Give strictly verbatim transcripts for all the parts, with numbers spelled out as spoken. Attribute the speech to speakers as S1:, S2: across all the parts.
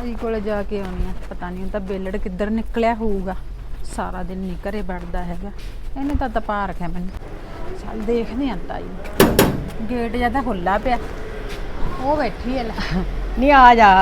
S1: ਤਾਈ ਕੋਲੇ ਜਾ ਕੇ ਆਉਣੀ ਆ। ਪਤਾ ਨਹੀਂ ਤਾਂ ਬੇਲੜ ਕਿੱਧਰ ਨਿਕਲਿਆ ਹੋਊਗਾ। ਸਾਰਾ ਦਿਨ ਨਹੀਂ ਘਰੇ ਵੜਦਾ ਹੈਗਾ। ਇਹਨੇ ਤਾਂ ਤਪਾ ਰੱਖਿਆ ਮੈਨੂੰ। ਚੱਲ ਦੇਖਦੇ ਆਂ ਤਾਈ ਨੂੰ। ਗੇਟ ਜਿਆਦਾ ਖੁੱਲਾ ਪਿਆ। ਉਹ ਬੈਠੀ ਹੈ ਲੈ।
S2: ਨਹੀਂ ਆ ਜਾ।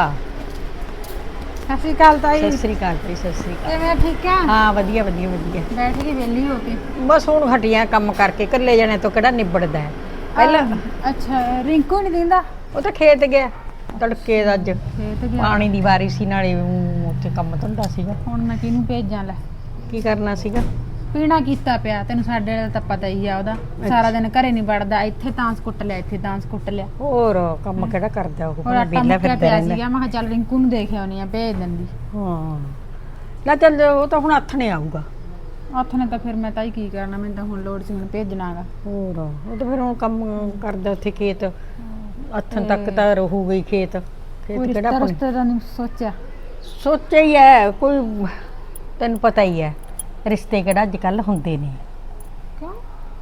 S1: ਸਤਿ ਸ਼੍ਰੀ ਅਕਾਲ ਤਾਈ।
S2: ਸਤਿ ਸ੍ਰੀ ਅਕਾਲ ਜੀ। ਸਤਿ ਸ੍ਰੀ ਅਕਾਲ।
S1: ਕਿਵੇਂ ਠੀਕ ਆ?
S2: ਹਾਂ ਵਧੀਆ ਵਧੀਆ ਵਧੀਆ।
S1: ਬੈਠ ਕੇ ਵਿਹਲੀ ਹੋ ਕੇ
S2: ਬਸ ਹੁਣ ਹਟੀਆਂ ਕੰਮ ਕਰਕੇ, ਇਕੱਲੇ ਜਣੇ ਤੋਂ ਕਿਹੜਾ ਨਿਬੜਦਾ ਹੈ ਪਹਿਲਾਂ।
S1: ਅੱਛਾ ਰਿੰਕੂ ਨਹੀਂ ਦਿੰਦਾ?
S2: ਉਹ ਤਾਂ ਖੇਤ ਗਿਆ ਤੜਕੇ ਦਾ। ਅੱਜ
S1: ਖੇਤ ਗਿਆ।
S2: ਪਾਣੀ ਦੀ ਵਾਰੀ ਸੀ, ਨਾਲੇ ਊਂ ਉੱਥੇ ਕੰਮ ਧੰਦਾ ਸੀਗਾ।
S1: ਹੁਣ ਮੈਂ ਕਿਹਨੂੰ ਭੇਜਾਂ ਲੈ?
S2: ਕੀ ਕਰਨਾ ਸੀਗਾ?
S1: ਪੀਣਾ ਕੀਤਾ ਪਿਆ। ਤੈਨੂੰ ਸਾਡੇ ਵਾਲਾ ਤਾਂ ਪਤਾ ਹੀ ਆ ਉਹਦਾ। ਸਾਰਾ ਦਿਨ ਘਰੇ ਨਹੀਂ ਵੜਦਾ। ਇੱਥੇ ਤਾਂਸ ਕੁੱਟ ਲਿਆ, ਇੱਥੇ ਤਾਂਸ ਕੁੱਟ ਲਿਆ।
S2: ਹੋਰ ਕੰਮ ਕਿਹੜਾ ਕਰਦਾ ਉਹ?
S1: ਹੋਰ ਆਟਾ
S2: ਵਿਹਲਾ
S1: ਮੁੱਕਿਆ
S2: ਫਿਰਦਾ
S1: ਪਿਆ
S2: ਰਹਿੰਦਾ।
S1: ਸੀਗਾ। ਮੈਂ ਕਿਹਾ ਚੱਲ ਰਿੰਕੂ ਨੂੰ ਦੇਖ ਆਉਣੀ ਆ, ਭੇਜ ਦਿੰਦੀ।
S2: ਹਾਂ ਲੈ ਚੱਲ, ਉਹ ਤਾਂ ਹੁਣ ਹੱਥ ਨੇ ਆਊਗਾ।
S1: ਹੱਥ ਨੇ ਤਾਂ ਫਿਰ ਮੈਂ ਤਾਂ ਹੀ ਕੀ ਕਰਨਾ। ਮੈਨੂੰ ਤਾਂ ਹੁਣ ਲੋੜ ਸੀ ਹੁਣ ਭੇਜਣਾਗਾ।
S2: ਹੋਰ ਉਹ ਤਾਂ ਫਿਰ ਹੁਣ ਕੰਮ ਕਰਦਾ ਉੱਥੇ ਖੇਤ। ਹੱਥਾਂ ਤੱਕ ਤਾਂ ਰਹੂਗਾ ਹੀ ਖੇਤ। ਖੇਤ
S1: ਕੋਈ
S2: ਕਿਹੜਾ
S1: ਰਿਸ਼ਤਾ
S2: ਆਪਣਾ
S1: ਰਸਤੇ ਦਾ ਨਹੀਂ ਸੋਚਿਆ?
S2: ਸੋਚਿਆ ਹੀ ਹੈ ਕੋਈ। ਤੈਨੂੰ ਪਤਾ ਹੀ ਹੈ ਰਿਸ਼ਤੇ ਕਿਹੜਾ ਅੱਜ ਕੱਲ ਹੁੰਦੇ ਨੇ।
S1: ਕਿਉਂ?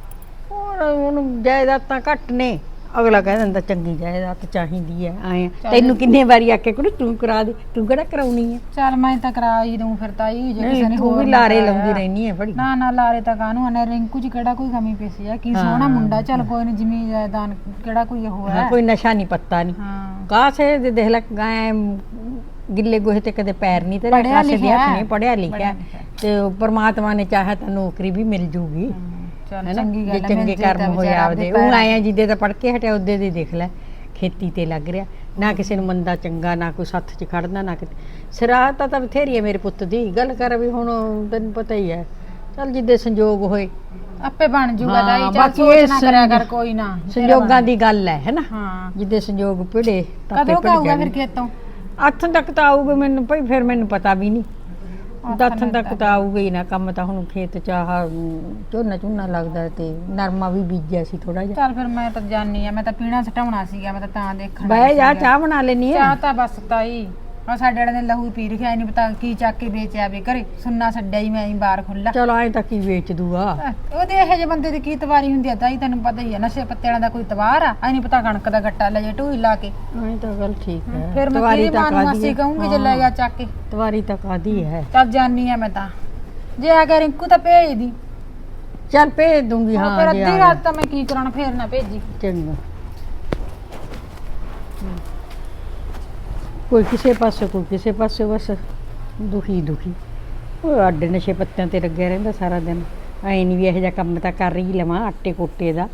S2: ਹੋਰ ਹੁਣ ਜਾਇਦਾਦਾਂ ਘੱਟ ਨੇ। ਅਗਲਾ ਕਹਿ ਦਿੰਦਾ ਚੰਗੀ ਜਾਇਦਾਦ ਚਾਹੀਦੀ ਹੈ। ਆਏ ਤੈਨੂੰ ਕਿੰਨੇ ਵਾਰੀ ਆਖਿਆ ਕੁੜੀ ਤੂੰ ਕਰਾ ਦੇ, ਤੂੰ ਕਿਹੜਾ ਕਰਾਉਣੀ ਹੈ?
S1: ਚੱਲ ਮੈਂ ਤਾਂ ਕਰਾ ਹੀ ਦੂੰ ਫਿਰ ਤਾਈ। ਜੇ ਕਿਸੇ ਨੇ
S2: ਤੂੰ
S1: ਹੋਰ
S2: ਵੀ
S1: ਨੀ
S2: ਲਾਰੇ
S1: ਕਰਾਇਆ।
S2: ਲਾਉਂਦੀ ਰਹਿਨੀ ਹੈ ਬੜੀ।
S1: ਨਾ ਨਾ ਲਾਰੇ ਤਾਂ ਕਾਹਨੂੰ ਆਨੇ। ਰਿੰਕੂ ਚ ਕਿਹੜਾ ਕੋਈ ਕਮੀ ਪੇਸੀ ਆ? ਕੀ ਸੋਹਣਾ ਮੁੰਡਾ। ਚੱਲ ਕੋਈ ਨਹੀਂ, ਜ਼ਮੀਨ ਜਾਇਦਾਦ ਕਿਹੜਾ ਕੋਈ ਉਹ ਹੈ।
S2: ਕੋਈ ਨਸ਼ਾ ਨਹੀਂ ਪੱਤਾ ਨਹੀਂ।
S1: ਹਾਂ
S2: ਕਾਸੇ ਦੇ ਦੇਖ ਲੈ ਗਾਂ ਗਿੱਲੇ ਗੋਹੇ ਤੇ ਕਦੇ ਪੈਰ ਨਹੀਂ ਤੇ
S1: ਪੜ੍ਹਿਆ
S2: ਕਾਸੇ ਦੇ
S1: ਲਿਖਿਆ
S2: ਹੱਥ ਨਹੀਂ। ਪੜਿਆ ਲਿਖਿਆ
S1: ਪੜ੍ਹਿਆ ਲਿਖਿਆ।
S2: ਤੇ ਉਹ ਪ੍ਰਮਾਤਮਾ ਨੇ ਚਾਹਿਆ ਤਾਂ ਨੌਕਰੀ ਵੀ ਮਿਲ ਜੂਗੀ।
S1: ਚੱਲ
S2: ਹੈਨਾ
S1: ਚੰਗੀ
S2: ਜੇ
S1: ਗੱਲ ਹੈ।
S2: ਚੰਗੇ ਕਰਮ ਹੋਏ ਆਪਦੇ। ਉਹ ਆਇਆ ਜਿੱਦੇ ਤਾਂ ਪੜ ਕੇ ਹਟਿਆ ਉਹਦੇ ਦੇ ਦੇਖ ਲੈ ਖੇਤੀ ਤੇ ਲੱਗ ਰਿਹਾ। ਨਾ ਕਿਸੇ ਨੂੰ ਮੰਦਾ ਚੰਗਾ, ਨਾ ਕੋਈ ਸੱਥ 'ਚ ਖੜਨਾ, ਨਾ ਕਿਤੇ ਸਰਾਹਤਾ ਤਾਂ ਬਥੇਰੀ ਹੈ ਮੇਰੇ ਪੁੱਤ ਦੀ। ਗੱਲ ਕਰ ਵੀ ਹੁਣ ਤੈਨੂੰ ਪਤਾ ਹੀ ਹੈ। ਚੱਲ ਜਿੱਦੇ ਸੰਜੋਗ ਹੋਏ
S1: ਆਪੇ ਬਣ ਜੂਗਾ
S2: ਹਾਂ,
S1: ਤਾਈ। ਚੱਲ
S2: ਬਾਕੀ
S1: ਸੋਚ
S2: ਇਹ
S1: ਨਾ ਕਰਿਆ ਕਰ ਕੋਈ ਨਾ।
S2: ਸੰਜੋਗਾਂ ਦੀ ਗੱਲ ਹੈ ਹੈਨਾ।
S1: ਹਾਂ
S2: ਜਿੱਦੇ ਸੰਜੋਗ ਭਿੜੇ ਤਾਂ
S1: ਕਦੋਂ ਕਾਊਗਾ ਫਿਰ ਖੇਤੋਂ?
S2: ਅੱਠ ਤੱਕ ਤਾਂ ਆਊਗਾ ਮੈਨੂੰ ਭਾਈ। ਫਿਰ ਮੈਨੂੰ ਪਤਾ ਵੀ ਨਹੀਂ। ਦਸ ਤੱਕ ਤਾਂ ਆਊਗਾ ਹੀ ਨਾ। ਕੰਮ ਤਾਂ ਹੁਣ ਖੇਤ ਚ ਆਹ ਝੋਨਾ ਝੋਨਾ ਲੱਗਦਾ ਤੇ ਨਰਮਾ ਵੀ ਬੀਜਿਆ ਸੀ ਥੋੜਾ ਜਿਹਾ।
S1: ਚੱਲ ਫਿਰ ਮੈਂ ਤਾਂ ਜਾਣੀ ਆ। ਮੈਂ ਤਾਂ ਪੀਣਾ ਸਟਾਉਣਾ ਸੀਗਾ। ਮੈਂ ਤਾਂ ਤਾਂ ਦੇਖਣ
S2: ਬਹਿ ਜਾ, ਚਾਹ ਬਣਾ ਲੈਣੀ
S1: ਚਾਹ
S2: ਹੈ।
S1: ਤਾਂ ਬਸ ਤਾਈ ਆ ਸਾਡੇ ਵਾਲੇ ਨੇ ਲਹੂ ਪੀ ਰਖਿਆ। ਨਹੀਂ ਪਤਾ ਕੀ ਚੱਕ ਕੇ ਵੇਚਿਆ ਵੇ ਘਰੇ। ਸੁੰਨਾ ਛੱਡਿਆ ਹੀ ਮੈਂ ਹੀ ਬਾਹਰ ਖੁੱਲਾ।
S2: ਚਲੋ ਐਂ ਤਾਂ ਕੀ ਵੇਚ ਦੂਗਾ।
S1: ਉਹਦੇ ਇਹੋ ਜਿਹੇ ਬੰਦੇ ਦੀ ਕੀ ਤਵਾਰੀ ਹੁੰਦੀ ਆ ਤਾਈ? ਤੈਨੂੰ ਪਤਾ ਹੀ ਆ ਨਸ਼ੇ ਪੱਤੇ ਵਾਲਿਆਂ ਦਾ ਕੋਈ ਤਵਾਰ ਆ? ਐ ਨਹੀਂ ਪਤਾ ਕਣਕ ਦਾ ਗੱਟਾ ਲੈ ਜੇ ਢੂਈ ਲਾ ਕੇ।
S2: ਐਂ ਤਾਂ ਗੱਲ ਠੀਕ ਹੈ।
S1: ਫਿਰ ਮੈਂ
S2: ਤਵਾਰੀ
S1: ਕਿਹਦੀ
S2: ਤਾਂ
S1: ਮਾਂ ਨੂੰ
S2: ਕਾਹਦੀ
S1: ਮਾਸੀ
S2: ਹੈ?
S1: ਕਹੂੰਗੀ ਜੇ ਲੈ ਗਿਆ ਚੱਕ ਕੇ।
S2: ਤਵਾਰੀ ਤਾਂ ਕਾਦੀ ਹੈ?
S1: ਚੱਲ ਜਾਨੀ ਆ ਮੈਂ ਤਾਂ। ਜੇ ਆ ਗਿਆ ਰਿੰਕੂ ਤਾਂ ਭੇਜ ਦੀ।
S2: ਚੱਲ ਭੇਜ ਦੂੰਗੀ।
S1: ਹਾਂ
S2: ਹਾਂ
S1: ਫਿਰ
S2: ਜੇ
S1: ਅੱਧੀ
S2: ਆ
S1: ਰਾਤ ਤਾਂ ਮੈਂ ਕੀ ਕਰਾਉਣਾ? ਫੇਰ ਨਾ ਭੇਜੀ।
S2: ਚੰਗਾ। ਕੋਈ ਕਿਸੇ ਪਾਸੇ, ਕੋਈ ਕਿਸੇ ਪਾਸੇ, ਬਸ ਦੁਖੀ ਦੁਖੀ। ਉਹ ਅੱਡ ਨਸ਼ੇ ਪੱਤਿਆਂ ਤੇ ਲੱਗਿਆ ਰਹਿੰਦਾ ਸਾਰਾ ਦਿਨ। ਐਂ ਨਹੀਂ ਵੀ ਇਹੋ ਜਿਹਾ ਕੰਮ ਤਾਂ ਕਰ ਹੀ ਲਵਾਂ ਆਟੇ ਕੋਟੇ ਦਾ।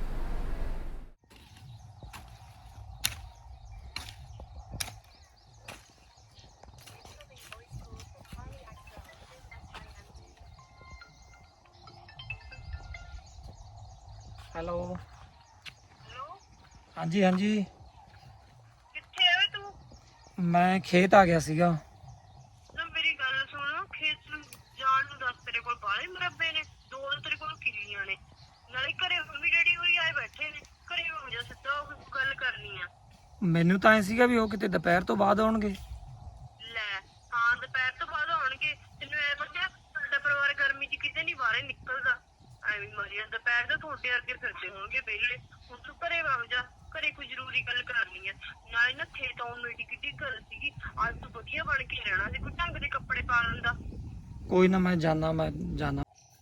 S3: Hello hello. ਹਾਂਜੀ ਹਾਂਜੀ।
S4: ਕਿੱਥੇ ਆ ਵੇ ਤੂੰ?
S3: ਮੈਂ ਖੇਤ ਆ ਗਿਆ ਸੀਗਾ।
S4: ਨਾ ਮੇਰੀ ਗੱਲ ਸੁਣ। ਖੇਤ ਨੂੰ ਜਾਣ ਨੂੰ ਦੱਸ। ਤੇਰੇ ਕੋਲ ਬਾਹਲੇ ਮਰੱਬੇ ਨੇ। ਦੋ ਤਾਂ ਤੇਰੇ ਕੋਲ ਕਿੱਲੀਆਂ ਨੇ। ਨਾਲੇ ਘਰੇ ਮੰਮੀ ਡੈਡੀ ਹੋਰੀ ਆਏ ਬੈਠੇ ਨੇ। ਘਰੇ ਹੋ ਜਾ ਸਿੱਧਾ। ਉਹ ਗੱਲ ਕਰਨੀ ਆ।
S3: ਮੈਨੂੰ ਤਾਂ ਐ ਸੀਗਾ ਵੀ ਉਹ ਕਿਤੇ ਦੁਪਹਿਰ ਤੋਂ ਬਾਅਦ ਆਉਣਗੇ।
S4: ਲੈ ਹਾਂ ਦੁਪਹਿਰ ਤੋਂ ਬਾਅਦ ਆਉਣਗੇ। ਤੈਨੂੰ ਐ ਪਤਾ ਸਾਡਾ ਪਰਿਵਾਰ ਗਰਮੀ 'ਚ ਕਿਤੇ ਨਹੀਂ ਬਾਹਰੇ ਨਿਕਲਦਾ। ਐਵੇਂ ਮਰੀਆਂ ਦੁਪਹਿਰ ਦਾ ਤੁਹਾਡੇ ਵਰਗੇ ਫਿਰਦੇ ਹੋਣਗੇ ਵਿਹਲੇ। ਹੁਣ ਤੂੰ ਘਰੇ ਵਗ ਜਾ। ਘਰੇ ਕੋਈ ਜ਼ਰੂਰੀ ਗੱਲ ਕਰਨੀ ਆ। ਨਾਲੇ ਨਾ ਖੇਤ ਆਉਣ ਨੂੰ ਏਡੀ ਕਿੱਡੀ ਗੱਲ ਸੀਗੀ। ਅੱਜ ਤੂੰ ਵਧੀਆ ਬਣ ਕੇ ਰਹਿਣਾ ਸੀ। ਕੋਈ ਢੰਗ ਦੇ ਕੱਪੜੇ ਪਾ ਲੈਂਦਾ।
S3: ਕੋਈ ਨਾ ਮੈਂ ਜਾਣਾ ਮੈਂ ਜਾਣਾ।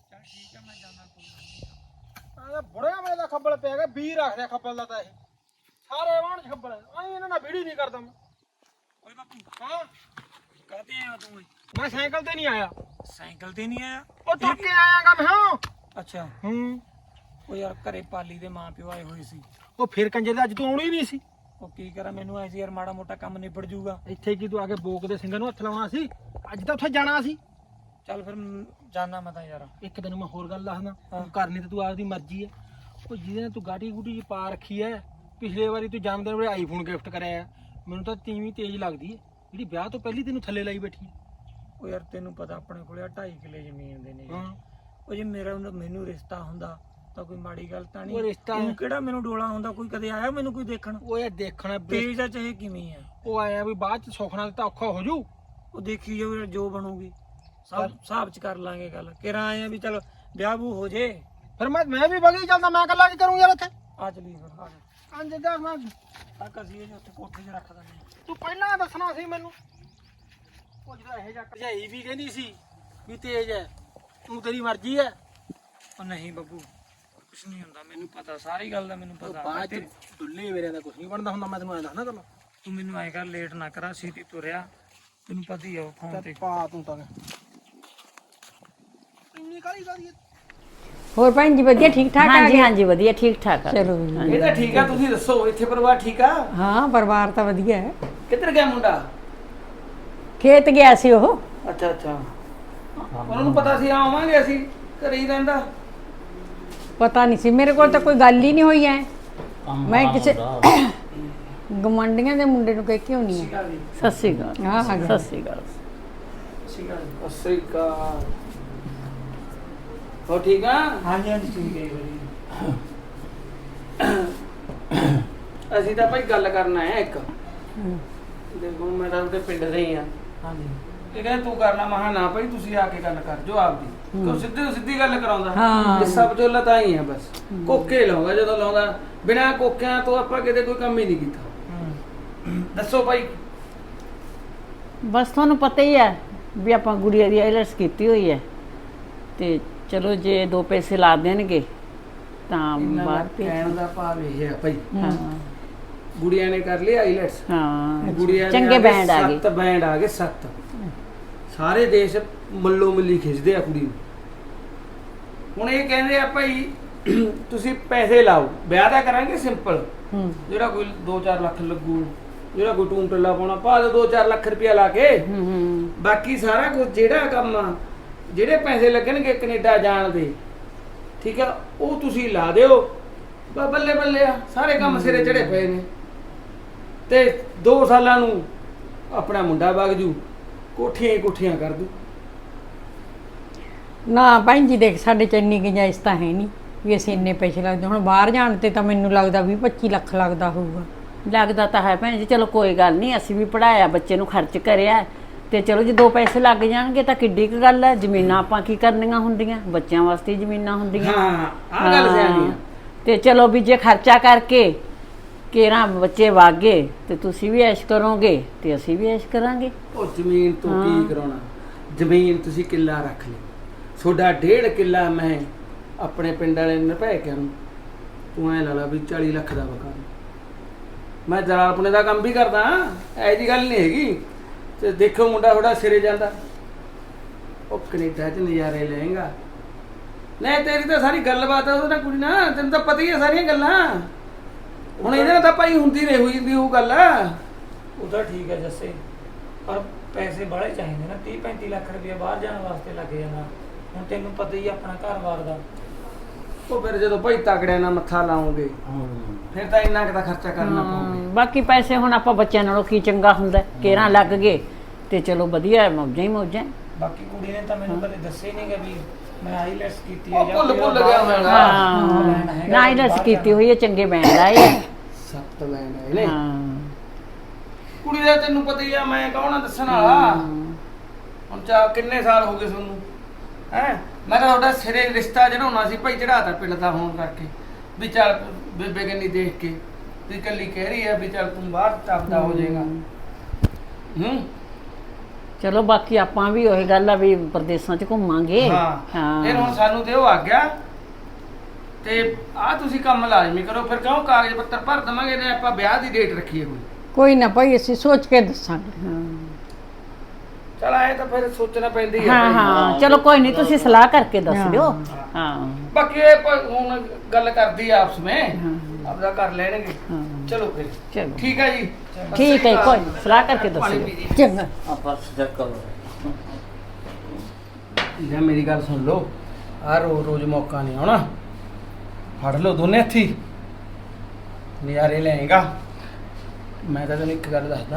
S5: ਬੁੜਿਆ ਵੇਲੇ ਦਾ ਖੱਬਲ ਪਿਆ ਗਿਆ। ਵੀਹ ਰੱਖ ਲਿਆ ਖੱਬਲ ਦਾ ਤਾਂ ਇਹ ਸਾਰੇ ਵਾਹਣ ਚ ਖੱਬਲ। ਐ ਇਹਨਾਂ ਨਾਲ ਵੀੜੀ ਨਹੀਂ ਕਰਦਾ ਮੈਂ।
S3: ਓਏ ਬਾਪੂ
S5: ਹਾਂ
S3: ਕਹਤੇ ਆਇਆ ਤੂੰ?
S5: ਮੈਂ ਸਾਈਕਲ ਤੇ ਨਹੀਂ ਆਇਆ।
S3: ਸਾਈਕਲ ਤੇ ਨਹੀਂ ਆਇਆ?
S5: ਉਹ ਤੁਰ ਕੇ ਆਇਆਗਾ ਮੈਂ। ਹਾਂ
S3: ਅੱਛਾ।
S5: ਹੂੰ।
S3: ਉਹ ਯਾਰ ਘਰੇ ਪਾਲੀ ਦੇ ਮਾਂ ਪਿਓ ਆਏ ਹੋਏ ਸੀ।
S5: ਉਹ ਫਿਰ ਕੰਜੇ ਦਾ ਅੱਜ ਤੂੰ ਆਉਣੀ ਨਹੀਂ ਸੀ।
S3: ਉਹ ਕੀ ਕਰਾਂ, ਮੈਨੂੰ ਐ ਸੀ ਯਾਰ ਮਾੜਾ ਮੋਟਾ ਕੰਮ ਨਿਬੜ ਜੂਗਾ।
S5: ਇੱਥੇ ਕੀ ਤੂੰ ਆ ਕੇ ਬੋਕ ਦੇ ਸਿੰਘਾਂ ਨੂੰ ਹੱਥ ਲਾਉਣਾ ਸੀ? ਅੱਜ ਤਾਂ ਉੱਥੇ ਜਾਣਾ ਸੀ।
S3: ਚੱਲ ਫਿਰ ਜਾਣਾ ਮੈਂ ਤਾਂ ਯਾਰ।
S5: ਇੱਕ ਤੈਨੂੰ ਮੈਂ ਹੋਰ ਗੱਲ ਦੱਸਦਾ।
S3: ਹਾਂ।
S5: ਤੂੰ ਕਰਨੀ ਤੇ ਤੂੰ ਆਪਦੀ ਮਰਜ਼ੀ ਹੈ। ਉਹ ਜਿਹਦੇ ਨਾਲ ਤੂੰ ਗਾਟੀ ਗੂਟੀ ਚ ਪਾ ਰੱਖੀ ਹੈ। ਪਿਛਲੇ ਵਾਰੀ ਤੂੰ ਜਨਮ ਦਿਨ ਵੇਲੇ ਆਈਫੋਨ ਗਿਫਟ ਕਰਿਆ। ਮੈਨੂੰ ਤਾਂ ਤੀਵੀਂ ਤੇਜ਼ ਲੱਗਦੀ ਹੈ ਜਿਹੜੀ ਵਿਆਹ ਤੋਂ ਪਹਿਲੀ ਤੈਨੂੰ ਥੱਲੇ ਲਾਈ ਬੈਠੀ ਹੈ।
S3: ਉਹ ਯਾਰ ਤੈਨੂੰ ਪਤਾ ਆਪਣੇ ਕੋਲੇ ਢਾਈ ਕਿੱਲੇ ਜ਼ਮੀਨ ਦੇ ਨੇ।
S5: ਹਾਂ।
S3: ਉਹ ਜੇ ਮੇਰਾ ਮੈਨੂੰ ਰਿਸ਼ਤਾ ਹੁੰਦਾ ਤਾਂ ਕੋਈ ਮਾੜੀ ਗੱਲ ਤਾਂ ਨਹੀਂ।
S5: ਉਹ ਰਿਸ਼ਤਾ
S3: ਤੂੰ ਕਿਹੜਾ ਮੈਨੂੰ ਡੋਲਾ ਹੁੰਦਾ? ਕੋਈ ਕਦੇ ਆਇਆ ਮੈਨੂੰ ਕੋਈ ਦੇਖਣ?
S5: ਉਹ ਇਹ ਦੇਖਣਾ
S3: ਤੇਜ ਦਾ ਚਾਹੇ ਕਿਵੇਂ ਆ।
S5: ਉਹ ਆਇਆ ਵੀ ਬਾਅਦ ਚ ਸੁਖਣਾ ਤਾਂ ਔਖਾ ਹੋ ਜੂ।
S3: ਉਹ ਦੇਖੀ ਜਾਓ ਜੋ ਬਣੂਗੀ। ਸਭ ਹਿਸਾਬ ਚ ਕਰ ਲਾਂਗੇ ਗੱਲ। ਕਿਹੜਾ ਆਏ ਆ ਵੀ ਚਲ ਵਿਆਹ ਵੂ ਹੋ ਜੇ।
S5: ਫਿਰ ਮੈਂ ਮੈਂ ਵੀ ਵਗੀ ਚੱਲਦਾ। ਮੈਂ ਇਕੱਲਾ ਕੀ ਕਰੂੰ ਯਾਰ ਇੱਥੇ?
S3: ਆ ਚਲੀ ਫਿਰ ਆ ਜਾ।
S5: ਅੰਜ ਦਾ ਮੈਂ
S3: ਆ ਕਸੀਏ ਜੇ ਉੱਥੇ ਕੋਠੇ 'ਚ ਰੱਖ ਦਿੰਦੇ
S5: ਤੂੰ ਪਹਿਲਾਂ ਦੱਸਣਾ ਸੀ ਮੈਨੂੰ। ਉਹ ਜਦੋਂ ਇਹ ਜੱਟ ਭਜਾਈ ਵੀ ਕਹਿੰਦੀ ਸੀ ਵੀ ਤੇਜ਼ ਹੈ ਤੂੰ ਤੇਰੀ ਮਰਜ਼ੀ ਹੈ
S3: ਉਹ ਨਹੀਂ ਬੱਬੂ ਕੁਛ ਨਹੀਂ ਹੁੰਦਾ, ਮੈਨੂੰ ਪਤਾ ਸਾਰੀ ਗੱਲ ਦਾ ਮੈਨੂੰ ਪਤਾ।
S5: ਬਾਅਦ ਚ ਡੁੱਲੇ ਮੇਰਿਆਂ ਦਾ ਕੁਝ ਨਹੀਂ ਬਣਦਾ ਹੁੰਦਾ, ਮੈਂ ਤੈਨੂੰ ਐਂ ਦੱਸਣਾ ਗੱਲ
S3: ਤੂੰ ਮੈਨੂੰ ਐਂ ਕਰ, ਲੇਟ ਨਾ ਕਰਾ, ਛੇਤੀ ਤੁਰਿਆ, ਤੈਨੂੰ ਪਤਾ ਹੀ ਆ ਉਹ ਫੋਨ ਤੇ।
S5: ਪਾ ਤੂੰ ਤਾਂ ਇੰਨੀ ਕਾਲੀ ਕਾਲੀ
S2: ਹੋਰ ਭੈਣ ਜੀ ਵਧੀਆ ਠੀਕ ਠਾਕ ਆ
S6: ਹਾਂਜੀ
S2: ਗਏ?
S6: ਹਾਂਜੀ ਵਧੀਆ ਠੀਕ ਠਾਕ ਆ
S2: ਚਲੋ
S5: ਇਹ ਤਾਂ ਠੀਕ ਆ। ਤੁਸੀਂ ਦੱਸੋ ਇੱਥੇ ਪਰਿਵਾਰ ਠੀਕ ਆ?
S2: ਹਾਂ ਪਰਿਵਾਰ ਤਾਂ ਵਧੀਆ ਹੈ।
S5: ਕਿੱਧਰ ਗਿਆ ਮੁੰਡਾ?
S2: ਖੇਤ ਗਿਆ ਸੀ ਉਹ।
S5: ਅੱਛਾ ਅੱਛਾ, ਉਹਨਾਂ ਨੂੰ ਪਤਾ ਸੀ ਆਵਾਂਗੇ ਅਸੀਂ, ਘਰੇ ਹੀ ਰਹਿੰਦਾ।
S2: ਪਤਾ ਨਹੀਂ ਸੀ, ਮੇਰੇ ਕੋਲ ਤਾਂ ਕੋਈ ਗੱਲ ਹੀ ਨਹੀਂ ਹੋਈ ਐ। ਮੈਂ ਕਿਸੇ ਗਮੰਡੀਆਂ ਦੇ ਮੁੰਡੇ ਨੂੰ ਕਹਿ ਕੇ ਆਉਣੀ ਆ।
S6: ਸਤਿ ਸ੍ਰੀ ਅਕਾਲ
S2: ਹਾਂ ਹਾਂ
S6: ਸਤਿ ਸ੍ਰੀ ਅਕਾਲ
S5: ਸਤਿ ਸ੍ਰੀ ਅਕਾਲ। ਹੋ ਠੀਕ ਆ?
S3: ਹਾਂਜੀ ਹਾਂਜੀ ਠੀਕ ਹੈ ਜੀ।
S5: ਅਸੀਂ ਤਾਂ ਭਾਈ ਗੱਲ ਕਰਨ ਆਏ ਆ ਇੱਕ। ਦੇਖੋ ਮੈਂ ਤਾਂ ਉਹਦੇ ਪਿੰਡ ਦੇ ਹੀ ਆ।
S3: ਹਾਂਜੀ
S5: ਇਹ ਕਹਿੰਦਾ ਤੂੰ ਕਰਨਾ, ਮਹਾ ਨਾ ਭਾਈ ਤੁਸੀਂ ਆ ਕੇ ਗੱਲ ਕਰ ਜੋ ਆਪਦੀ। ਕਿਉਂ ਸਿੱਧੀ ਸਿੱਧੀ ਗੱਲ ਕਰਾਉਂਦਾ।
S2: ਹਾਂ।
S5: ਇਹ ਸਭ ਜੋ ਲਤਾ ਹੀ ਆ ਬਸ। ਕੋਕੇ ਲਾਉਂਦਾ ਜਦੋਂ ਲਾਉਂਦਾ, ਬਿਨਾਂ ਕੋਕਿਆਂ ਤੋਂ ਆਪਾਂ ਕਿਤੇ ਕੋਈ ਕੰਮ ਹੀ ਨਹੀਂ ਕੀਤਾ। ਦੱਸੋ ਭਾਈ।
S6: ਬਸ ਤੁਹਾਨੂੰ ਪਤਾ ਹੀ ਹੈ ਵੀ ਆਪਾਂ ਗੁੜੀਆ ਦੀ ਆਈਲੈਟਸ ਕੀਤੀ ਹੋਈ ਹੈ ਤੇ ਚਲੋ ਜੇ ਦੋ ਪੈਸੇ ਲਾ ਦੇਣਗੇ ਤਾਂ ਬਾਹਰ ਭੇਜ।
S5: ਕਹਿਣ ਦਾ ਭਾਵ ਇਹ ਹੈ ਭਾਈ,
S6: ਹਾਂ
S5: ਗੁੜੀਆ ਨੇ ਕਰ ਲਈ ਆਈਲੈਟਸ।
S6: ਹਾਂ
S5: ਗੁੜੀਆ ਦੇ
S6: ਚੰਗੇ
S5: ਆ ਗਏ
S6: ਬੈਂਡ ਆ ਗਏ।
S5: ਸੱਤ ਬੈਂਡ ਆ ਗਏ, ਸੱਤ। ਸਾਰੇ ਦੇਸ਼ ਮੱਲੋ ਮੱਲੀ ਖਿੱਚਦੇ ਆ ਕੁੜੀ ਨੂੰ। ਹੁਣ ਇਹ ਕਹਿੰਦੇ ਆ ਭਾਈ ਤੁਸੀਂ ਪੈਸੇ ਲਾਓ, ਵਿਆਹ ਦਾ ਕਰਾਂਗੇ ਸਿੰਪਲ। ਜਿਹੜਾ ਕੋਈ ਦੋ ਚਾਰ ਲੱਖ ਲੱਗੂ, ਜਿਹੜਾ ਕੋਈ ਟੂਮ ਟੱਲਾ ਪਾਉਣਾ ਪਾ ਦੇ ਦੋ ਚਾਰ ਲੱਖ ਰੁਪਇਆ ਲਾ ਕੇ।
S6: ਹੂੰ ਹੂੰ
S5: ਬਾਕੀ ਸਾਰਾ ਕੁਝ ਜਿਹੜਾ ਕੰਮ ਆ, ਜਿਹੜੇ ਪੈਸੇ ਲੱਗਣਗੇ ਕੈਨੇਡਾ ਜਾਣ ਦੇ, ਠੀਕ ਆ, ਉਹ ਤੁਸੀਂ ਲਾ ਦਿਓ। ਬ- ਬੱਲੇ ਬੱਲੇ ਆ, ਸਾਰੇ ਕੰਮ ਸਿਰੇ ਚੜੇ ਪਏ ਨੇ। ਤੇ ਦੋ ਸਾਲਾਂ ਨੂੰ ਆਪਣਾ ਮੁੰਡਾ ਵਗ ਜੂ, ਕੋਠੀਆਂ ਹੀ ਕੋਠੀਆਂ ਕਰ ਦੂ।
S2: ਨਾ ਭੈਣ ਜੀ ਦੇਖ ਸਾਡੇ ਚ ਇੰਨੀ ਗੁੰਜਾਇਸ਼ ਤਾਂ ਹੈ ਨਹੀਂ ਵੀ ਅਸੀਂ ਇੰਨੇ ਪੈਸੇ ਲੱਗਦੇ। ਹੁਣ ਬਾਹਰ ਜਾਣ ਤੇ ਤਾਂ ਮੈਨੂੰ ਲੱਗਦਾ ਵੀਹ ਪੱਚੀ ਲੱਖ ਲੱਗਦਾ ਹੋਊਗਾ।
S6: ਲੱਗਦਾ ਤਾਂ ਹੈ ਭੈਣ ਜੀ, ਚਲੋ ਕੋਈ ਗੱਲ ਨਹੀਂ, ਅਸੀਂ ਵੀ ਪੜਾਇਆ ਬੱਚੇ ਨੂੰ, ਖਰਚ ਕਰਿਆ ਤੇ ਚਲੋ ਜੇ ਦੋ ਪੈਸੇ ਲੱਗ ਜਾਣਗੇ ਤਾਂ ਕਿੱਡੀ ਕੁ ਗੱਲ ਹੈ। ਜ਼ਮੀਨਾਂ ਆਪਾਂ ਕੀ ਕਰਨੀਆਂ ਹੁੰਦੀਆਂ, ਬੱਚਿਆਂ ਵਾਸਤੇ ਹੀ ਜ਼ਮੀਨਾਂ ਹੁੰਦੀਆਂ।
S5: ਹਾਂ ਆਹ ਗੱਲ ਸਿਆਣੀ ਆ।
S6: ਤੇ ਚਲੋ ਵੀ ਜੇ ਖਰਚਾ ਕਰਕੇ ਕੇਰਾਂ ਬੱਚੇ ਵਾਗੇ ਤੇ ਤੁਸੀਂ ਵੀ ਐਸ਼ ਕਰੋਗੇ ਤੇ ਅਸੀਂ ਵੀ ਐਸ਼ ਕਰਾਂਗੇ।
S5: ਉਹ ਜ਼ਮੀਨ ਤੋਂ ਕੀ ਕਰਾਉਣਾ? ਜ਼ਮੀਨ ਤੁਸੀਂ ਕਿੱਲਾ ਰੱਖ ਲਈ, ਤੁਹਾਡਾ ਡੇਢ ਕਿੱਲਾ ਮੈਂ ਆਪਣੇ ਪਿੰਡ ਵਾਲੇ ਨੇ ਭੈ ਕੇ ਨੂੰ, ਤੂੰ ਐ ਲਾ ਲਾ ਵੀ ਚਾਲੀ ਲੱਖ ਦਾ ਵਕਾ। ਮੈਂ ਜਲਾਲਪੁਣੇ ਦਾ ਕੰਮ ਵੀ ਕਰਦਾ, ਐ ਜੀ ਗੱਲ ਨਹੀਂ ਹੈਗੀ। ਤੇ ਦੇਖੋ ਮੁੰਡਾ ਥੋੜਾ ਸਿਰੇ ਜਾਂਦਾ, ਉਹ ਕੈਨੇਡਾ 'ਚ ਨਜ਼ਾਰੇ ਲਏਗਾ। ਨਹੀਂ ਤੇਰੀ ਤਾਂ ਸਾਰੀ ਗੱਲਬਾਤ ਆ ਉਹਦੇ ਨਾਲ ਕੁੜੀ ਨਾਲ, ਤੈਨੂੰ ਤਾਂ ਪਤਾ ਹੀ ਆ ਸਾਰੀਆਂ ਗੱਲਾਂ। ਹੁਣ ਇਹਦੇ ਨਾਲ ਤਾਂ ਭਾਈ ਹੁੰਦੀ ਨਹੀਂ ਹੋਈ ਜਾਂਦੀ ਉਹ ਗੱਲ।
S3: ਉਹ ਤਾਂ ਠੀਕ ਹੈ ਜੱਸੇ, ਪਰ ਪੈਸੇ ਬਾਹਲੇ ਚਾਹੀਦੇ ਨਾ। ਤੀਹ ਪੈਂਤੀ ਲੱਖ ਰੁਪਏ ਬਾਹਰ ਜਾਣ ਵਾਸਤੇ ਲੱਗ ਜਾਂਦਾ। ਹੁਣ ਤੈਨੂੰ ਪਤਾ ਹੀ ਆ ਆਪਣਾ ਘਰ-ਬਾਰ ਦਾ।
S5: ਉਹ ਫਿਰ ਜਦੋਂ ਭਾਈ ਤਗੜਿਆਂ ਨਾਲ ਮੱਥਾ ਲਾਉਂਗੇ ਫਿਰ ਤਾਂ ਇੰਨਾ ਕੁ ਤਾਂ ਖਰਚਾ ਕਰਨਾ ਪਊਗਾ।
S6: ਬਾਕੀ ਪੈਸੇ ਹੁਣ ਆਪਾਂ ਬੱਚਿਆਂ ਨਾਲੋਂ ਕੀ ਚੰਗਾ ਹੁੰਦਾ, ਕੇਰਾਂ ਲੱਗ ਗਏ ਤੇ ਚਲੋ ਵਧੀਆ, ਮੌਜਾਂ ਹੀ ਮੌਜਾਂ।
S3: ਬਾਕੀ ਕੁੜੀ ਨੇ ਤਾਂ ਮੈਨੂੰ ਕਦੇ ਦੱਸਿਆ ਹੀ ਨਹੀਂ ਕਿ ਵੀ ਮੈਂ ਆਈਲੈਟਸ ਕੀਤੀ ਹੈ
S5: ਉਹ ਭੁੱਲ ਭੁੱਲ ਗਿਆ ਮੈਂ।
S6: ਹਾਂ ਨਾ ਆਈਲੈਟਸ ਕੀਤੀ ਹੋਈ ਹੈ, ਚੰਗੇ ਬੈਂਡ ਆਏ ਆ।
S5: ਸੱਤ ਲੈਣ ਆਏ ਨੇ
S6: ਹਾਂ
S5: ਕੁੜੀ ਦਾ। ਤੈਨੂੰ ਪਤਾ ਹੀ ਆ ਮੈਂ ਕੌਣ ਆ ਦੱਸਣ ਵਾਲਾ। ਹੁਣ ਚਾ ਕਿੰਨੇ ਸਾਲ ਹੋ ਗਏ ਤੁਹਾਨੂੰ ਹੈ? ਮੈਂ ਤਾਂ ਤੁਹਾਡਾ ਸਿਰੇ ਰਿਸ਼ਤਾ ਚੜਾਉਣਾ ਸੀ ਭਾਈ, ਚੜਾਤਾ ਪਿੰਡ ਦਾ ਹੋਣ ਕਰਕੇ ਵੀ ਚੱਲ ਬੇਬੇ ਕੰਨੀ ਦੇਖ ਕੇ ਵੀ ਇਕੱਲੀ ਕਹਿ ਰਹੀ ਆ ਵੀ ਚੱਲ ਤੂੰ ਬਾਹਰ ਟੱਪਦਾ ਹੋ ਜਾਏਗਾ। ਹੂੰ
S6: ਚਲੋ ਬਾਕੀ ਆਪਾਂ ਵੀ ਉਹੀ ਗੱਲ ਆ ਵੀ ਪ੍ਰਦੇਸਾਂ 'ਚ ਘੁੰਮਾਂਗੇ।
S5: ਹਾਂ ਫਿਰ ਹੁਣ ਸਾਨੂੰ ਦਿਓ ਆ ਗਿਆ ਤੇ ਆ ਤੁਸੀਂ ਕੰਮ ਲਾਜ਼ਮੀ ਕਰੋ। ਫਿਰ ਕਿਉਂ ਕਾਗਜ਼ ਪੱਤਰ ਭਰ ਦਵਾਂਗੇ ਨੇ ਆਪਾਂ ਵਿਆਹ ਦੀ ਡੇਟ ਰੱਖੀਏ ਕੋਈ।
S2: ਕੋਈ ਨਾ ਭਾਈ ਅਸੀਂ ਸੋਚ ਕੇ ਦੱਸਾਂਗੇ।
S5: ਚਲ ਆਏ ਤਾਂ ਫਿਰ ਸੋਚਣਾ ਪੈਂਦੀ ਹੈ
S6: ਹਾਂ
S5: ਭਾਈ।
S6: ਹਾਂ ਚਲੋ ਕੋਈ ਨਹੀਂ, ਤੁਸੀਂ ਸਲਾਹ ਕਰਕੇ ਦੱਸ ਦਿਓ। ਹਾਂ
S5: ਬਾਕੀ ਇਹ ਪ- ਹੁਣ ਗੱਲ ਕਰਦੀ ਆ ਆਪਸ ਵਿੱਚ, ਆਪਦਾ ਕਰ ਲੈਣਗੇ। ਚਲੋ ਫਿਰ
S6: ਚਲੋ
S5: ਠੀਕ ਹੈ ਜੀ।
S6: ਠੀਕ ਹੈ, ਕੋਈ ਨੀ, ਸਲਾਹ ਕਰਕੇ ਦੱਸਿਓ।
S2: ਚੰਗਾ
S5: ਜਾਂ ਮੇਰੀ ਗੱਲ ਸੁਣ ਲਓ, ਆ ਰੋਜ਼ ਰੋਜ਼ ਮੌਕਾ ਨਹੀਂ ਆਉਣਾ। ਫੜ ਲਓ ਦੋਨੇ ਹੱਥੀ, ਨਜ਼ਾਰੇ ਲੈਂਗਾ। ਮੈਂ ਤਾਂ ਤੈਨੂੰ ਇੱਕ ਗੱਲ ਦੱਸਦਾ,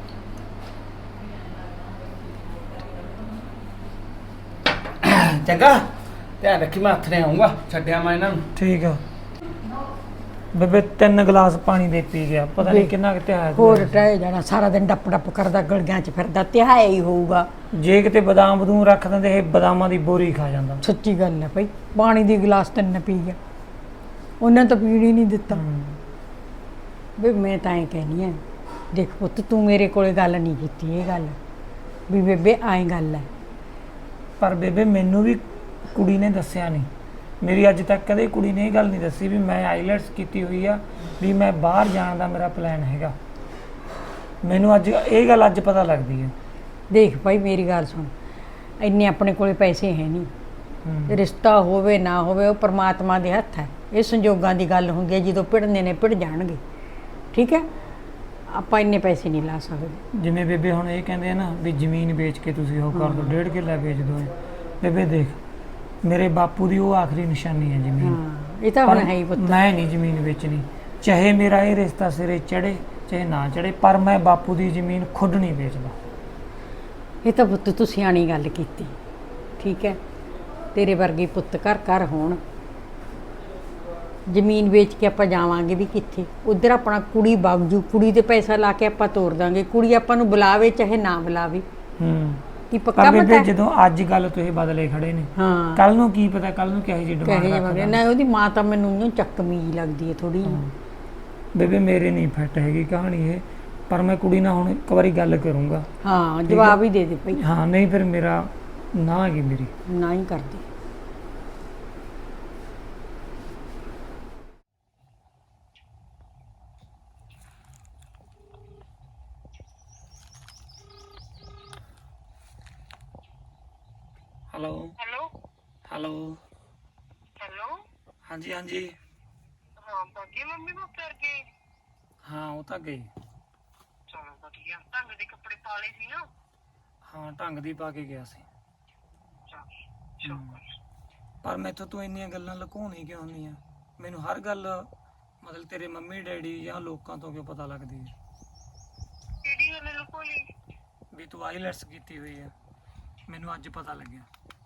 S5: ਚੰਗਾ ਧਿਆਨ ਰੱਖੀ, ਮੈਂ ਹੱਥ ਨੇ ਆਉਂਗਾ, ਛੱਡਿਆ ਮੈਂ ਇਹਨਾਂ ਨੂੰ।
S3: ਠੀਕ ਆ ਬੇਬੇ, ਤਿੰਨ ਗਲਾਸ ਪਾਣੀ ਦੇ ਪੀ ਗਿਆ, ਪਤਾ ਨਹੀਂ ਕਿੰਨਾ ਕਿਤੇ ਆਇਆ।
S2: ਹੋਰ ਟਹਿ ਜਾਣਾ, ਸਾਰਾ ਦਿਨ ਡੱਪ ਡੱਪ ਕਰਦਾ ਗਲੀਆਂ 'ਚ ਫਿਰਦਾ, ਤਿਹਾਇਆ ਹੀ ਹੋਊਗਾ।
S3: ਜੇ ਕਿਤੇ ਬਦਾਮ ਬਦੂਮ ਰੱਖ ਦਿੰਦੇ, ਇਹ ਬਦਾਮਾਂ ਦੀ ਬੋਰੀ ਖਾ ਜਾਂਦਾ।
S2: ਸੱਚੀ ਗੱਲ ਹੈ ਭਾਈ, ਪਾਣੀ ਦੀ ਗਲਾਸ ਤਿੰਨ ਪੀ ਗਿਆ, ਉਹਨਾਂ ਤਾਂ ਪੀਣ ਹੀ ਨਹੀਂ ਦਿੱਤਾ। ਵੀ ਮੈਂ ਤਾਂ ਐਂ ਕਹਿਨੀ ਆ, ਦੇਖ ਪੁੱਤ ਤੂੰ ਮੇਰੇ ਕੋਲੇ ਗੱਲ ਨਹੀਂ ਕੀਤੀ ਇਹ ਗੱਲ ਵੀ ਬੇਬੇ ਐਂ ਗੱਲ ਹੈ।
S3: ਪਰ ਬੇਬੇ ਮੈਨੂੰ ਵੀ ਕੁੜੀ ਨੇ ਦੱਸਿਆ ਨਹੀਂ, ਮੇਰੀ ਅੱਜ ਤੱਕ ਕਦੇ ਕੁੜੀ ਨੇ ਇਹ ਗੱਲ ਨਹੀਂ ਦੱਸੀ ਵੀ ਮੈਂ ਆਈਲੈਟਸ ਕੀਤੀ ਹੋਈ ਆ, ਵੀ ਮੈਂ ਬਾਹਰ ਜਾਣ ਦਾ ਮੇਰਾ ਪਲਾਨ ਹੈਗਾ। ਮੈਨੂੰ ਅੱਜ ਇਹ ਗੱਲ ਅੱਜ ਪਤਾ ਲੱਗਦੀ ਹੈ।
S2: ਦੇਖ ਭਾਈ ਮੇਰੀ ਗੱਲ ਸੁਣ, ਇੰਨੇ ਆਪਣੇ ਕੋਲੇ ਪੈਸੇ ਹੈ ਨਹੀਂ, ਰਿਸ਼ਤਾ ਹੋਵੇ ਨਾ ਹੋਵੇ ਉਹ ਪ੍ਰਮਾਤਮਾ ਦੇ ਹੱਥ ਹੈ। ਇਹ ਸੰਜੋਗਾਂ ਦੀ ਗੱਲ ਹੁੰਦੀ ਹੈ, ਜਦੋਂ ਭਿੜਨੇ ਨੇ ਭਿੜ ਜਾਣਗੇ। ਠੀਕ ਹੈ, ਆਪਾਂ ਇੰਨੇ ਪੈਸੇ ਨਹੀਂ ਲਾ ਸਕਦੇ।
S3: ਜਿਵੇਂ ਬੇਬੇ ਹੁਣ ਇਹ ਕਹਿੰਦੇ ਆ ਨਾ ਵੀ ਜ਼ਮੀਨ ਵੇਚ ਕੇ ਤੁਸੀਂ ਉਹ ਕਰ ਦਿਓ, ਡੇਢ ਕਿੱਲਾ ਵੇਚ ਦਿਓ। ਬੇਬੇ ਦੇਖ, ਮੇਰੇ ਬਾਪੂ ਦੀ ਉਹ ਆਖਰੀ ਨਿਸ਼ਾਨੀ ਹੈ ਜ਼ਮੀਨ।
S2: ਹਾਂ ਇਹ ਤਾਂ ਹੁਣ
S3: ਪਰ
S2: ਹੈ ਹੀ ਪੁੱਤ।
S3: ਮੈਂ ਨਹੀਂ ਜ਼ਮੀਨ ਵੇਚਣੀ, ਚਾਹੇ ਮੇਰਾ ਇਹ ਰਿਸ਼ਤਾ ਸਿਰੇ ਚੜੇ ਚਾਹੇ ਨਾ ਚੜੇ, ਪਰ ਮੈਂ ਬਾਪੂ ਦੀ ਜ਼ਮੀਨ ਖੁਦ ਨਹੀਂ ਵੇਚਦਾ।
S2: ਇਹ ਤਾਂ ਪੁੱਤ ਤੂੰ ਸਿਆਣੀ ਗੱਲ ਕੀਤੀ। ਠੀਕ ਹੈ, ਤੇਰੇ ਵਰਗੇ ਪੁੱਤ ਘਰ ਘਰ ਹੋਣ। ਜ਼ਮੀਨ ਵੇਚ ਕੇ ਆਪਾਂ ਜਾਵਾਂਗੇ ਵੀ ਕਿੱਥੇ? ਉਧਰ ਆਪਣਾ ਕੁੜੀ ਬਾਗਜੂ, ਕੁੜੀ ਤੇ ਪੈਸਾ ਲਾ ਕੇ ਆਪਾਂ ਤੋਰ ਦਾਂਗੇ। ਕੁੜੀ ਆਪਾਂ ਨੂੰ ਬੁਲਾਵੇ ਚਾਹੇ ਨਾ ਬੁਲਾਵੇ।
S3: ਹੂੰ
S2: ਕੀ ਪੱਕਾ
S3: ਪਰ
S2: ਪਤਾ
S3: ਬੇਬੇ
S2: ਹੈ?
S3: ਜਦੋਂ ਅੱਜ ਗੱਲ ਤੁਸੀਂ ਬਦਲੇ ਖੜੇ ਨੇ,
S2: ਹਾਂ
S3: ਕੱਲ ਨੂੰ ਕੀ ਪਤਾ ਕੱਲ ਨੂੰ ਕਿਹੋ ਜਿਹੀ ਡਿਮਾਂਡ
S2: ਕਹੇ
S3: ਰੱਖਦਾ।
S2: ਨਾ ਉਹਦੀ ਮਾਂ ਤਾਂ ਮੈਨੂੰ ਊਂ ਚੱਕਵੀਂ ਜਿਹੀ ਲੱਗਦੀ ਹੈ ਥੋੜੀ।
S3: ਬੇਬੇ ਮੇਰੇ ਨਹੀਂ ਫਿੱਟ ਹੈਗੀ ਕਹਾਣੀ ਇਹ, ਪਰ ਮੈਂ ਕੁੜੀ ਨਾਲ ਹੁਣ ਇੱਕ ਵਾਰੀ ਗੱਲ ਕਰੂੰਗਾ।
S2: ਹਾਂ ਜਵਾਬ ਹੀ ਦੇ ਦੇ ਭਾਈ।
S3: ਹਾਂ ਨਹੀਂ ਫਿਰ ਮੇਰਾ ਨਾ ਹੈਗੀ ਮੇਰੀ।
S2: ਨਾ ਹੀ ਕਰਦੀ।
S3: ਹੈਲੋ
S4: ਹੈਲੋ
S3: ਹੈਲੋ
S4: ਹੈਲੋ
S3: ਹਾਂਜੀ ਹਾਂਜੀ
S4: ਹਾਂ ਬਾਕੀ ਮੰਮੀ ਕੋ ਕਰ ਗਏ?
S3: ਹਾਂ ਉਹ ਤਾਂ ਗਈ।
S4: ਚਲੋ ਵਧੀਆ, ਢੰਗ ਦੇ ਕੱਪੜੇ ਪਾ ਲਏ ਸੀ ਨਾ?
S3: ਹਾਂ ਢੰਗ ਦੀ ਪਾ ਕੇ ਗਿਆ ਸੀ।
S4: ਚਲ
S3: ਪਰ ਮੈਥੋਂ ਤੂੰ ਇੰਨੀਆਂ ਗੱਲਾਂ ਲੁਕਾਉਣੀ ਕਿਉਂ ਹੁੰਦੀ ਆ? ਮੈਨੂੰ ਹਰ ਗੱਲ ਮਤਲਬ ਤੇਰੇ ਮੰਮੀ ਡੈਡੀ ਜਾਂ ਲੋਕਾਂ ਤੋਂ ਕਿਉਂ ਪਤਾ ਲੱਗਦੀ ਹੈ
S4: ਕਿਹੜੀ ਗੱਲ ਲੁਕੋਲੀ?
S3: ਵੀ ਤੂੰ ਆਈਲੈਟਸ ਕੀਤੀ ਹੋਈ ਆ? ਮੈਨੂੰ ਅੱਜ ਪਤਾ ਲੱਗਿਆ।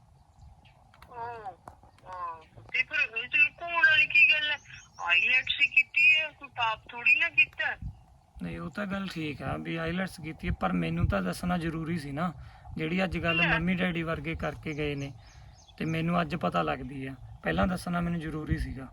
S4: ਉਹ ਹਾਂ ਤੇ ਫਿਰ ਇਹ ਤੇ ਲੁਕਾਉਣ ਵਾਲੀ ਕੀ ਗੱਲ ਹੈ? ਆਈਲੈਟਸ ਹੀ ਕੀਤੀ ਹੈ, ਕੋਈ ਪਾਪ ਥੋੜੀ ਨਾ ਕੀਤਾ।
S3: ਨਹੀਂ ਉਹ ਤਾਂ ਗੱਲ ਠੀਕ ਆ ਵੀ ਆਈਲੈਟਸ ਕੀਤੀ ਹੈ, ਪਰ ਮੈਨੂੰ ਤਾਂ ਦੱਸਣਾ ਜ਼ਰੂਰੀ ਸੀ ਨਾ। ਜਿਹੜੀ ਅੱਜ ਗੱਲ ਮੰਮੀ ਡੈਡੀ ਵਰਗੇ ਕਰਕੇ ਗਏ ਨੇ ਤੇ ਮੈਨੂੰ ਅੱਜ ਪਤਾ ਲੱਗਦੀ ਆ, ਪਹਿਲਾਂ ਦੱਸਣਾ ਮੈਨੂੰ ਜ਼ਰੂਰੀ ਸੀਗਾ।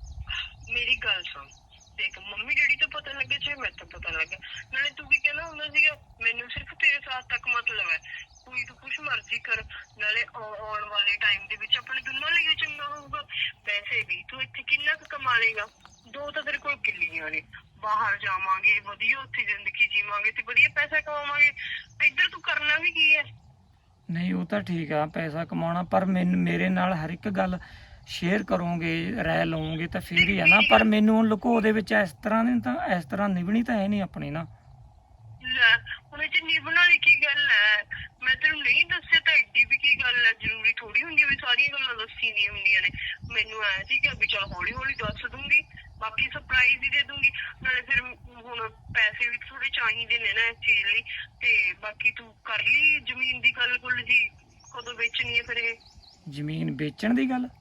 S4: ਮੇਰੀ ਗੱਲ ਸੁਣ, ਦੇਖ ਮੰਮੀ ਡੈਡੀ ਤੋਂ ਪਤਾ ਲੱਗੇ ਚਾਹੇ ਮੈਨੂੰ ਪਤਾ ਲੱਗੇ, ਨਾਲੇ ਤੂੰ ਕੀ ਕਹਿਣਾ ਹੁੰਦਾ ਸੀਗਾ, ਮੈਨੂੰ ਸਿਰਫ ਤੇਰੇ ਸਾਥ ਤੱਕ ਮਤਲਬ ਹੈ। ਕੋਈ ਤੂੰ ਕੁਛ ਮਰਜ਼ੀ ਕਰ, ਨਾਲੇ ਆਉਣ ਵਾਲੇ ਟਾਈਮ ਦੇ ਵਿੱਚ ਆਪਣੇ ਦੋਨਾਂ ਲਈ ਚੰਗਾ ਹੋਊਗਾ। ਵੈਸੇ ਵੀ ਤੂੰ ਇੱਥੇ ਕਿੰਨਾ ਕੁ ਕਮਾ ਲੇਗਾ? ਦੋ ਤਾਂ ਤੇਰੇ ਕੋਲ ਕਿੱਲੀਆਂ ਨੇ, ਬਾਹਰ ਜਾਵਾਂਗੇ ਵਧੀਆ, ਉੱਥੇ ਜ਼ਿੰਦਗੀ ਜੀਵਾਂਗੇ ਤੇ ਵਧੀਆ ਪੈਸਾ ਕਮਾਵਾਂਗੇ। ਇੱਧਰ ਤੂੰ ਕਰਨਾ ਵੀ ਕੀ ਹੈ?
S3: ਨਹੀਂ ਉਹ ਤਾਂ ਠੀਕ ਆ ਪੈਸਾ ਕਮਾਉਣਾ, ਪਰ ਮੈਨੂੰ ਮੇਰੇ ਨਾਲ ਹਰ ਇੱਕ ਗੱਲ ਸ਼ੇਅਰ ਕਰੋਗੇ, ਰਾਏ ਲਓਗੇ ਤਾਂ ਫੇਰ ਹੀ ਆ ਨਾ। ਪਰ ਮੈਨੂੰ ਲੁਕੋ ਦੇ ਵਿੱਚ ਇਸ ਤਰ੍ਹਾਂ ਦੀ ਤਾਂ ਇਸ ਤਰ੍ਹਾਂ ਨਿਭਣੀ ਤਾਂ ਹੈ ਨਹੀਂ ਆਪਣੀ ਨਾ।
S4: ਲੈ ਹੁਣ ਇਹ ਚ ਨਿਭਣ ਵਾਲੀ ਕੀ ਗੱਲ ਹੈ? ਮੈਂ ਤੈਨੂੰ ਨਹੀਂ ਦੱਸਿਆ ਤਾਂ ਐਡੀ ਵੀ ਕੀ ਗੱਲ ਹੈ? ਜ਼ਰੂਰੀ ਥੋੜੀ ਹੁੰਦੀ ਹੈ ਵੀ ਸਾਰੀਆਂ ਗੱਲਾਂ ਦੱਸੀ ਦੀਆਂ ਹੁੰਦੀਆਂ ਨੇ। ਮੈਨੂੰ ਐ ਸੀ ਕਿ ਵੀ ਚਲ ਹੌਲੀ ਹੌਲੀ ਦੱਸ ਦੂੰਗੀ, ਬਾਕੀ ਸਰਪ੍ਰਾਈਜ਼ ਹੀ ਦੇ ਦੂੰਗੀ। ਨਾਲੇ ਫਿਰ ਹੁਣ ਪੈਸੇ ਵੀ ਥੋੜੇ ਚਾਹੀਦੇ ਨੇ ਨਾ ਇਸ ਚੀਜ਼ ਲਈ। ਤੇ ਬਾਕੀ ਤੂੰ ਕਰ ਲਈ ਜ਼ਮੀਨ ਦੀ ਗੱਲ ਗੁੱਲ ਜੀ, ਕਦੋਂ ਵੇਚਣੀ ਹੈ ਫਿਰ ਇਹ?
S3: ਜ਼ਮੀਨ ਵੇਚਣ ਦੀ ਗੱਲ?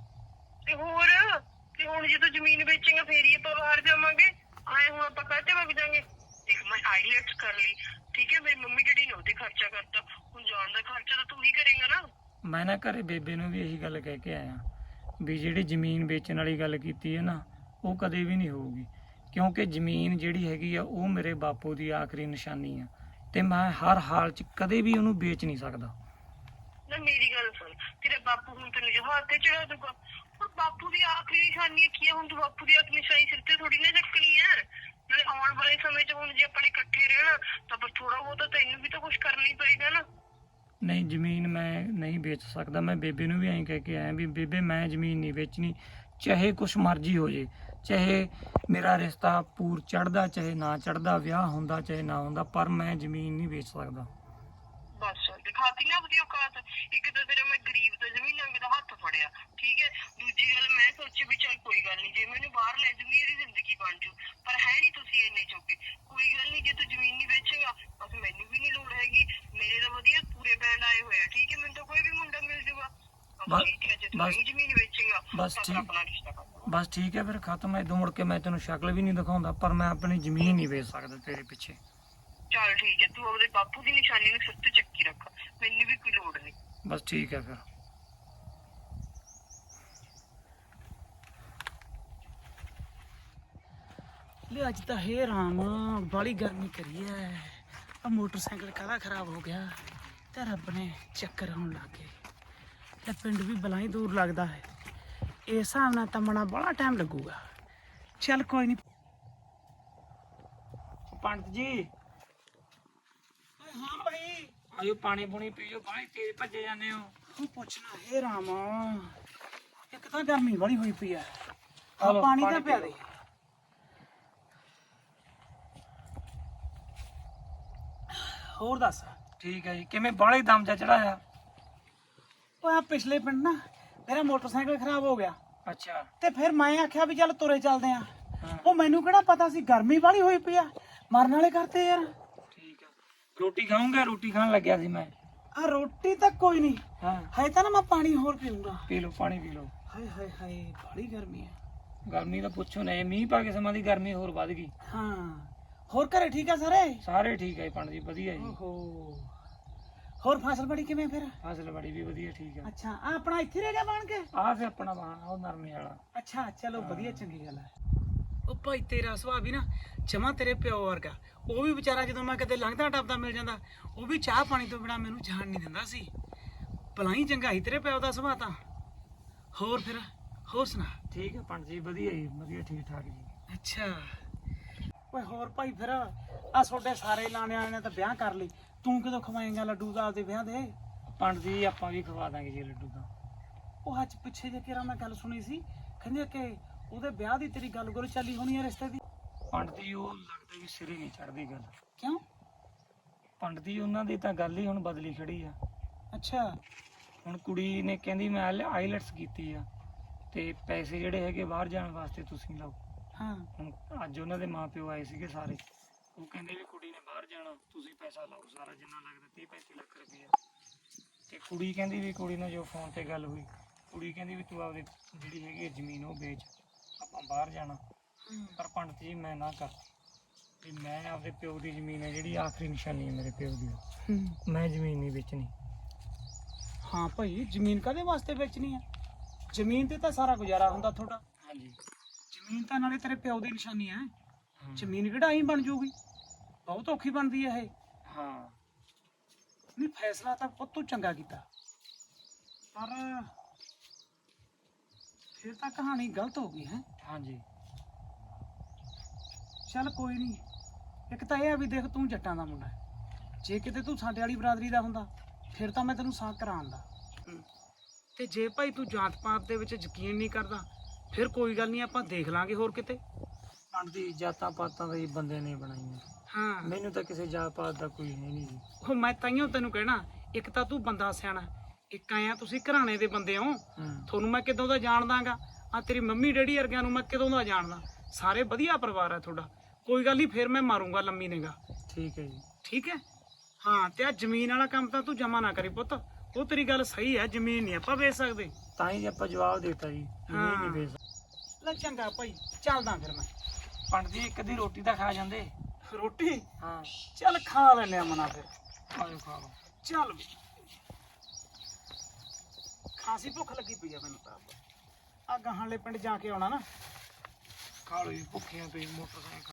S4: ਤੇ ਹੋਰ, ਤੇ ਹੁਣ ਜਦੋਂ ਜ਼ਮੀਨ ਵੇਚੇਗਾ ਫੇਰ ਹੀ ਆਪਾਂ ਬਾਹਰ ਜਾਵਾਂਗੇ। ਆਏ ਹੁਣ ਆਪਾਂ ਕਾਹਤੇ ਵਗ ਜਾਾਂਗੇ? ਦੇਖ ਮੈਂ ਆਈਲੈਟਸ ਕਰ ਲਈ, ਠੀਕ ਹੈ, ਮੇਰੀ ਮੰਮੀ ਡੈਡੀ ਨੇ ਉਹਤੇ ਖਰਚਾ ਕਰਤਾ, ਹੁਣ ਜਾਣ ਦਾ ਖਰਚਾ ਤਾਂ ਤੂੰ ਹੀ ਕਰੇਗਾ ਨਾ।
S3: ਮੈਂ ਨਾ ਘਰੇ ਬੇਬੇ ਨੂੰ ਵੀ ਇਹੀ ਗੱਲ ਕਹਿ ਕੇ ਆਇਆ ਵੀ ਜਿਹੜੀ ਜ਼ਮੀਨ ਵੇਚਣ ਵਾਲੀ ਗੱਲ ਕੀਤੀ ਹੈ ਨਾ, ਉਹ ਕਦੇ ਵੀ ਨਹੀਂ ਹੋਊਗੀ। ਕਿਉਂਕਿ ਜ਼ਮੀਨ ਜਿਹੜੀ ਹੈਗੀ ਆ ਉਹ ਮੇਰੇ ਬਾਪੂ ਦੀ ਆਖਰੀ ਨਿਸ਼ਾਨੀ ਆ, ਤੇ ਮੈਂ ਹਰ ਹਾਲ 'ਚ ਕਦੇ ਵੀ ਉਹਨੂੰ ਵੇਚ ਨਹੀਂ ਸਕਦਾ।
S4: ਨਾ ਮੇਰੀ ਗੱਲ ਸੁਣ, ਤੇਰਾ ਬਾਪੂ ਹੁਣ ਤੈਨੂੰ ਜਹਾਜ਼ ਤੇ ਚੜਾ ਦੂਗਾ। ਹੁਣ ਬਾਪੂ ਦੀ ਆਖਰੀ ਨਿਸ਼ਾਨੀ ਕੀ ਹੈ? ਹੁਣ ਤੂੰ ਬਾਪੂ ਦੀ ਆਖਰੀ ਨਿਸ਼ਾਨੀ ਸਿਰ ਤੇ ਥੋੜੀ ਨਾ ਚੱਕਣੀ ਹੈ। ਨਾਲੇ ਆਉਣ ਵਾਲੇ ਸਮੇਂ 'ਚ ਹੁਣ ਜੇ ਆਪਾਂ ਨੇ ਇਕੱਠੇ ਰਹਿਣਾ ਤਾਂ ਪਰ ਥੋੜਾ ਬਹੁਤਾ ਤੈਨੂੰ ਵੀ ਤਾਂ ਕੁਛ ਕਰਨਾ ਹੀ ਪਏਗਾ ਨਾ।
S3: ਨਹੀਂ ਜ਼ਮੀਨ ਮੈਂ ਨਹੀਂ ਵੇਚ ਸਕਦਾ। ਮੈਂ ਬੇਬੇ ਨੂੰ ਵੀ ਐਂ ਕਹਿ ਕੇ ਆਇਆ ਵੀ ਬੇਬੇ ਮੈਂ ਜ਼ਮੀਨ ਨਹੀਂ ਵੇਚਣੀ, ਚਾਹੇ ਕੁਛ ਮਰਜ਼ੀ ਹੋ ਜੇ, ਚਾਹੇ ਮੇਰਾ ਰਿਸ਼ਤਾ ਪੂਰ ਚੜਦਾ ਚਾਹੇ ਨਾ ਚੜਦਾ, ਵਿਆਹ ਹੁੰਦਾ ਚਾਹੇ ਨਾ ਹੁੰਦਾ, ਪਰ ਮੈਂ ਜ਼ਮੀਨ ਨਹੀਂ ਵੇਚ ਸਕਦਾ।
S4: ਬਸ ਦਿਖਾਤੀ ਨਾ ਆਪਣੀ ਔਕਾਤ। ਇੱਕ ਤਾਂ ਤੇਰਾ ਮੈਂ ਗਰੀਬ ਦਾ ਜ਼ਮੀਨਾਂ ਦਾ ਹੱਥ ਫੜਿਆ, ਠੀਕ ਹੈ। ਦੂਜੀ ਗੱਲ ਮੈਂ ਸੋਚੀ ਵੀ ਚੱਲ ਕੋਈ ਗੱਲ ਨਹੀਂ, ਜੇ ਮੈਨੂੰ ਬਾਹਰ ਲੈ ਜੂਗੀ ਇਹਦੀ ਜ਼ਿੰਦਗੀ ਬਣ ਜੂ, ਪਰ ਹੈ ਨਹੀਂ ਤੁਸੀਂ ਇੰਨੇ ਚੋਕੇ। ਕੋਈ ਗੱਲ ਨਹੀਂ, ਜੇ ਤੂੰ ਜ਼ਮੀਨ ਨਹੀਂ ਵੇਚੇਗਾ ਬਸ ਮੈਨੂੰ ਵੀ ਨਹੀਂ ਲੋੜ ਹੈਗੀ। ਮੇਰੇ ਤਾਂ ਵਧੀਆ ਪੂਰੇ ਬੈਂਡ ਆਏ ਹੋਏ ਆ, ਠੀਕ ਹੈ, ਮੈਨੂੰ ਤਾਂ ਕੋਈ ਵੀ ਮੁੰਡਾ ਮਿਲ ਜੂਗਾ।
S3: ਬਸ
S4: ਠੀਕ ਹੈ, ਜੇ ਤੂੰ
S3: ਬਸ
S4: ਨਹੀਂ ਜ਼ਮੀਨ ਵੇਚੇਗਾ
S3: ਬਸ
S4: ਤਾਂ
S3: ਠੀਕ
S4: ਆਪਣਾ ਰਿਸ਼ਤਾ ਕਰ ਲਵਾਂਗੇ।
S3: ਬਸ ਠੀਕ ਹੈ ਫਿਰ ਖਤਮ। ਇਦੋਂ ਮੁੜ ਕੇ ਮੈਂ ਤੈਨੂੰ ਸ਼ਕਲ ਵੀ ਨਹੀਂ ਦਿਖਾਉਂਦਾ, ਪਰ ਮੈਂ ਆਪਣੀ ਜ਼ਮੀਨ ਨਹੀਂ ਵੇਚ ਸਕਦਾ ਤੇਰੇ ਪਿੱਛੇ।
S4: ਚੱਲ ਠੀਕ ਹੈ, ਤੂੰ ਆਪਦੇ ਬਾਪੂ ਦੀ ਨਿਸ਼ਾਨੀ ਨੂੰ ਸਿਰ ਤੇ ਚੱਕੀ ਰੱਖ, ਮੈਨੂੰ ਵੀ ਕੋਈ ਲੋੜ ਨਹੀਂ।
S3: ਬਸ ਠੀਕ ਹੈ ਫਿਰ। ਲੈ ਅੱਜ ਤਾਂ ਹੈ ਰਾਮ, ਬਾਲੀ ਗਰਮੀ ਕਰੀ ਐ,
S5: ਆ ਮੋਟਰਸਾਈਕਲ ਕਾਹਦਾ ਖਰਾਬ ਹੋ ਗਿਆ ਤੇ ਰੱਬ ਨੇ ਚੱਕਰ ਆਉਣ ਲੱਗ ਗਏ ਤੇ ਪਿੰਡ ਵੀ ਬਲਾਈ ਦੂਰ ਲੱਗਦਾ ਹੈ। ਇਸ ਹਿਸਾਬ ਨਾਲ ਤਾਂ ਮਣਾ ਬੜਾ ਟਾਈਮ ਲੱਗੂਗਾ। ਚੱਲ ਕੋਈ ਨਹੀਂ।
S3: ਪੰਡਤ ਜੀ
S5: ਹਾਂ ਭਾਈ
S3: ਆਇਓ ਪਾਣੀ ਪੂਣੀ ਪੀਓ, ਬਾਹਲੀ ਤੇਜ਼ ਭੱਜੇ ਜਾਂਦੇ ਹੋ।
S5: ਤੂੰ ਪੁੱਛਣਾ ਹੈ ਰਾਮਾ, ਇੱਕ ਤਾਂ ਗਰਮੀ ਬੜੀ ਹੋਈ ਪਈ ਆ।
S3: ਆ
S5: ਆ
S3: ਲਓ,
S5: ਪਾਣੀ ਤਾਂ
S3: ਪਾਣੀ
S5: ਪਿਆ
S3: ਪੀ
S5: ਦੇ। ਹੋਰ ਦੱਸ।
S3: ਠੀਕ ਹੈ ਜੀ, ਕਿਵੇਂ ਬਾਹਲੇ ਦਮ ਜਾ ਚੜਾਇਆ?
S5: ਉਹ ਆ ਪਿਛਲੇ ਪਿੰਡ ਨਾ ਮੇਰਾ ਮੋਟਰਸਾਈਕਲ ਖਰਾਬ ਹੋ ਗਿਆ
S3: ਅੱਛਾ।
S5: ਤੇ ਫਿਰ ਮੈਂ ਆਖਿਆ ਵੀ ਚੱਲ ਤੁਰੇ ਚੱਲਦੇ ਆ।
S3: ਹਾਂ।
S5: ਉਹ ਮੈਨੂੰ ਕਿਹੜਾ ਪਤਾ ਸੀ ਗਰਮੀ ਬੜੀ ਹੋਈ ਪਈ ਆ, ਮਰਨ ਵਾਲੇ ਕਰਤੇ ਯਾਰ।
S3: ਠੀਕ ਆ, ਰੋਟੀ ਖਾਊਂਗਾ? ਰੋਟੀ ਖਾਣ ਲੱਗਿਆ ਸੀ ਮੈਂ।
S5: ਆ ਰੋਟੀ ਤਾਂ ਕੋਈ ਨਹੀਂ
S3: ਹਾਂ
S5: ਹੈ, ਤਾਂ ਨਾ ਮੈਂ ਪਾਣੀ ਹੋਰ ਪੀਊਂਗਾ।
S3: ਪੀ ਲਓ, ਪਾਣੀ ਪੀ ਲਓ।
S5: ਹਾਏ ਹਾਏ ਹਾਏ ਬੜੀ ਗਰਮੀ ਆ।
S3: ਗਰਮੀ ਤਾਂ ਪੁੱਛੋ ਨਾ, ਇਹ ਮੀਂਹ ਪਾ ਕੇ ਸਮਾਂ ਦੀ ਗਰਮੀ ਹੋਰ ਵੱਧ ਗਈ।
S5: ਹਾਂ ਹੋਰ ਘਰੇ ਠੀਕ ਆ ਸਾਰੇ?
S3: ਸਾਰੇ ਠੀਕ ਹੈ ਜੀ ਪੰਡਤ ਜੀ, ਵਧੀਆ ਜੀ।
S5: ਓਹੋ ਹੋਰ ਫਸਲ ਬੜੀ ਕਿਵੇਂ ਫਿਰ?
S3: ਫਸਲ ਬੜੀ ਵੀ ਵਧੀਆ, ਠੀਕ ਹੈ।
S5: ਅੱਛਾ ਆ ਆਪਣਾ ਇੱਥੇ ਰਹਿ ਗਿਆ ਬਣ ਕੇ?
S3: ਆਹ ਫੇ ਆਪਣਾ ਬਾਣ ਉਹ ਨਰਮੇ ਵਾਲਾ।
S5: ਅੱਛਾ ਚਲੋ ਵਧੀਆ, ਚੰਗੀ ਗੱਲ ਹੈ। ਉਹ ਭਾਈ ਤੇਰਾ ਸੁਭਾਅ ਵੀ ਨਾ ਜਮਾ ਤੇਰੇ ਪਿਓ ਵਰਗਾ। ਉਹ ਵੀ ਵਿਚਾਰਾ ਜਦੋਂ ਮੈਂ ਕਿਤੇ ਲੰਘਦਾ ਟੱਪਦਾ ਮਿਲ ਜਾਂਦਾ, ਉਹ ਵੀ ਚਾਹ ਪਾਣੀ ਤੋਂ ਬਿਨਾ ਮੈਨੂੰ ਜਾਣ ਨਹੀਂ ਦਿੰਦਾ ਸੀ। ਭਲਾਈ ਚੰਗਾ ਸੀ ਤੇਰੇ ਪਿਓ ਦਾ ਸੁਭਾਅ ਤਾਂ। ਹੋਰ ਫਿਰ ਹੋਰ ਸੁਣਾ।
S3: ਠੀਕ ਹੈ ਪੰਡਤ ਜੀ, ਵਧੀਆ ਜੀ, ਵਧੀਆ ਠੀਕ ਠਾਕ ਜੀ।
S5: ਅੱਛਾ ਓਏ ਹੋਰ ਭਾਈ ਫਿਰ ਆ ਤੁਹਾਡੇ ਸਾਰੇ ਲਾਣੇ ਵਾਲੇ ਨੇ ਤਾਂ ਵਿਆਹ ਕਰ ਲਈ, ਤੂੰ ਕਦੋਂ ਖਵਾਏਂਗਾ ਲੱਡੂ ਦਾ ਆਪਦੇ ਵਿਆਹ ਦੇ?
S3: ਪੰਡਤ ਜੀ ਆਪਾਂ ਵੀ ਖਵਾ ਦਾਂਗੇ ਜੀ ਲੱਡੂ ਦਾ।
S5: ਉਹ ਅੱਜ ਪਿੱਛੇ ਜੇ ਕਿਰਾ ਮੈਂ ਗੱਲ ਸੁਣੀ ਸੀ, ਕਹਿੰਦੇ ਕਿ ਉਹਦੇ ਵਿਆਹ ਦੀ ਤੇਰੀ ਗੱਲ ਗੁੱਲ ਚੱਲੀ ਹੋਣੀ ਹੈ ਰਿਸ਼ਤੇ ਦੀ।
S3: ਪੰਡਤ ਜੀ ਉਹ ਲੱਗਦਾ ਵੀ ਸਿਰੇ ਨਹੀਂ ਚੜਦੀ ਗੱਲ।
S5: ਕਿਉਂ?
S3: ਪੰਡਤ ਜੀ ਉਹਨਾਂ ਦੀ ਤਾਂ ਗੱਲ ਹੀ ਹੁਣ ਬਦਲੀ ਖੜੀ ਆ।
S5: ਅੱਛਾ
S3: ਹੁਣ ਕੁੜੀ ਨੇ ਕਹਿੰਦੀ ਮੈਂ ਆਈਲੈਟਸ ਕੀਤੀ ਆ ਤੇ ਪੈਸੇ ਜਿਹੜੇ ਹੈਗੇ ਬਾਹਰ ਜਾਣ ਵਾਸਤੇ ਤੁਸੀਂ ਲਾਓ।
S5: ਹਾਂ
S3: ਹੁਣ ਅੱਜ ਉਹਨਾਂ ਦੇ ਮਾਪਿਓ ਆਏ ਸੀਗੇ ਸਾਰੇ, ਉਹ ਕਹਿੰਦੇ ਵੀ ਕੁੜੀ ਨੇ ਬਾਹਰ ਜਾਣਾ, ਤੁਸੀਂ ਪੈਸਾ ਲਾਓ ਸਾਰਾ ਜਿੰਨਾ ਲੱਗਦਾ ਤੀਹ ਪੈਂਤੀ ਲੱਖ ਰੁਪਈਆ। ਤੇ ਕੁੜੀ ਕਹਿੰਦੀ ਵੀ ਕੁੜੀ ਨਾਲ ਜੋ ਫੋਨ ਤੇ ਗੱਲ ਹੋਈ, ਕੁੜੀ ਕਹਿੰਦੀ ਵੀ ਤੂੰ ਆਪਦੀ ਜਿਹੜੀ ਹੈਗੀ ਹੈ ਜ਼ਮੀਨ ਉਹ ਵੇਚ, ਆਪਾਂ ਬਾਹਰ ਜਾਣਾ। ਪਰ ਪੰਡਤ ਜੀ ਮੈਂ ਨਾ ਕਰ ਵੀ ਮੈਂ ਆਪਦੇ ਪਿਓ ਦੀ ਜ਼ਮੀਨ ਹੈ ਜਿਹੜੀ ਆਖਰੀ ਨਿਸ਼ਾਨੀ ਹੈ ਮੇਰੇ ਪਿਓ ਦੀ, ਮੈਂ ਜ਼ਮੀਨ ਨਹੀਂ ਵੇਚਣੀ।
S5: ਹਾਂ ਭਾਈ ਜ਼ਮੀਨ ਕਾਹਦੇ ਵਾਸਤੇ ਵੇਚਣੀ ਆ? ਜ਼ਮੀਨ ਤੇ ਤਾਂ ਸਾਰਾ ਗੁਜ਼ਾਰਾ ਹੁੰਦਾ ਤੁਹਾਡਾ।
S3: ਹਾਂਜੀ।
S5: ਜ਼ਮੀਨ ਤਾਂ ਨਾਲੇ ਤੇਰੇ ਪਿਓ ਦੀ ਨਿਸ਼ਾਨੀ ਹੈ।
S3: ਹਾਂ।
S5: ਜ਼ਮੀਨ ਕਿਹੜਾ ਆਈ ਬਣ ਜੂਗੀ, ਬਹੁਤ ਔਖੀ ਬਣਦੀ ਹੈ ਇਹ।
S3: ਹਾਂ
S5: ਨਹੀਂ ਫੈਸਲਾ ਤਾਂ ਪੁੱਤ ਤੂੰ ਚੰਗਾ ਕੀਤਾ, ਪਰ ਫਿਰ ਤਾਂ ਕਹਾਣੀ ਗਲਤ ਹੋ ਗਈ ਹੈ।
S3: ਹਾਂਜੀ।
S5: ਚੱਲ ਕੋਈ ਨਹੀਂ, ਇੱਕ ਤਾਂ ਇਹ ਆ ਵੀ ਦੇਖ ਤੂੰ ਜੱਟਾਂ ਦਾ ਮੁੰਡਾ ਹੈ, ਜੇ ਕਿਤੇ ਤੂੰ ਸਾਡੇ ਵਾਲੀ ਬਰਾਦਰੀ ਦਾ ਹੁੰਦਾ ਫਿਰ ਤਾਂ ਮੈਂ ਤੈਨੂੰ ਸਾਕ ਕਰਾਉਂਦਾ। ਤੇ ਜੇ ਭਾਈ ਤੂੰ ਜਾਤ ਪਾਤ ਦੇ ਵਿੱਚ ਯਕੀਨ ਨਹੀਂ ਕਰਦਾ ਫਿਰ ਕੋਈ ਗੱਲ ਨਹੀਂ, ਆਪਾਂ ਦੇਖ ਲਾਂਗੇ ਹੋਰ ਕਿਤੇ।
S3: ਪੰਡਤ ਜੀ ਜਾਤਾਂ ਪਾਤਾਂ ਦਾ ਹੀ ਬੰਦੇ ਨੇ ਬਣਾਈਆਂ,
S5: ਹਾਂ
S3: ਮੈਨੂੰ ਤਾਂ ਕਿਸੇ ਜਾਤ ਪਾਤ ਦਾ ਕੋਈ ਹੈ ਨਹੀਂ ਜੀ।
S5: ਉਹ ਮੈਂ ਤਾਈਓ ਤੈਨੂੰ ਕਹਿਣਾ, ਇੱਕ ਤਾਂ ਤੂੰ ਬੰਦਾ ਸਿਆਣਾ, ਇੱਕ ਆਇਆ ਤੁਸੀਂ ਘਰਾਣੇ ਦੇ ਬੰਦੇ ਹੋ,
S3: ਹੂੰ।
S5: ਤੁਹਾਨੂੰ ਮੈਂ ਕਿਦੋਂ ਦਾ ਜਾਣਦਾਗਾ। ਆ ਤੇਰੀ ਮੰਮੀ ਡੈਡੀ ਵਰਗਿਆਂ ਨੂੰ ਮੈਂ ਕਿਦੋਂ ਦਾ ਜਾਣਦਾ, ਸਾਰੇ ਵਧੀਆ ਪਰਿਵਾਰ ਹੈ ਤੁਹਾਡਾ। ਕੋਈ ਗੱਲ ਨਹੀਂ ਫਿਰ ਮੈਂ ਮਾਰੂੰਗਾ ਲੰਮੀ ਨਿਗਾ।
S3: ਠੀਕ ਹੈ ਜੀ।
S5: ਠੀਕ ਹੈ ਹਾਂ। ਤੇ ਆ ਜ਼ਮੀਨ ਵਾਲਾ ਕੰਮ ਤਾਂ ਤੂੰ ਜਮਾ ਨਾ ਕਰੀ ਪੁੱਤ, ਉਹ ਤੇਰੀ ਗੱਲ ਸਹੀ ਹੈ, ਜ਼ਮੀਨ ਨਹੀਂ ਆਪਾਂ ਵੇਚ ਸਕਦੇ।
S3: ਤਾਂ ਹੀ ਆਪਾਂ ਜਵਾਬ ਦਿੱਤਾ ਜੀ,
S5: ਹਾਂ।
S3: ਨਹੀਂ ਨਹੀਂ ਵੇਚ।
S5: ਲੈ ਚੰਗਾ ਭਾਈ ਚੱਲਦਾ ਫਿਰ ਮੈਂ।
S3: ਪੰਡਤ ਜੀ ਇੱਕ ਅੱਧੀ ਰੋਟੀ ਤਾਂ ਖਾ ਜਾਂਦੇ।
S5: ਰੋਟੀ
S3: ਹਾਂ
S5: ਚੱਲ ਖਾ ਲੈਂਦੇ ਆ ਮਨਾ ਫਿਰ।
S3: ਆਜੋ ਖਾ ਲਓ।
S5: ਚੱਲ ਵੀ ਖਾਸੀ ਭੁੱਖ ਲੱਗੀ ਪਈ ਆ ਮੈਨੂੰ ਤਾਂ। ਆ ਗਾਹਾਂ ਵਾਲੇ ਪਿੰਡ ਜਾ ਕੇ ਆਉਣਾ ਨਾ।
S3: ਖਾ ਲਓ ਜੀ, ਭੁੱਖੀਆਂ ਤੁਸੀਂ ਮੋਟਰਸਾਈਕਲ